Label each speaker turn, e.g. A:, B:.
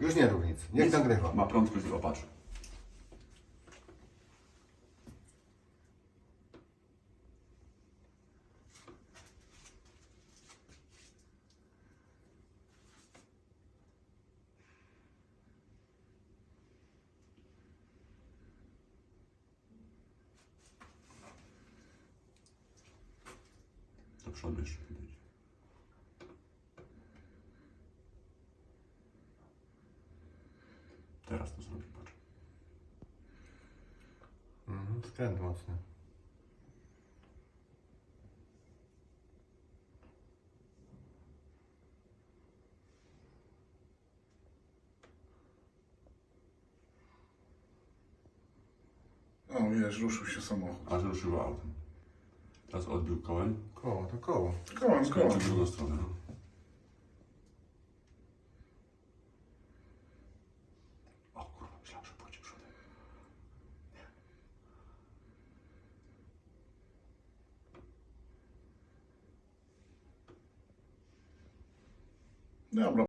A: Już nie rób nic. Niech nagrywa.
B: Ma prędkość, opatrz. Do przodu jeszcze widać. Teraz to zrobię, patrz.
A: Skręt mocny.
C: O, wiesz, ruszył się samochód.
B: Aż ruszyło autem. Teraz odbił kołem.
A: Koło, to koło.
C: Kołem,
B: Skręcił w drugą stronę. No. O kurwa, myślałem, że pójdzie przodem.
C: Dobra.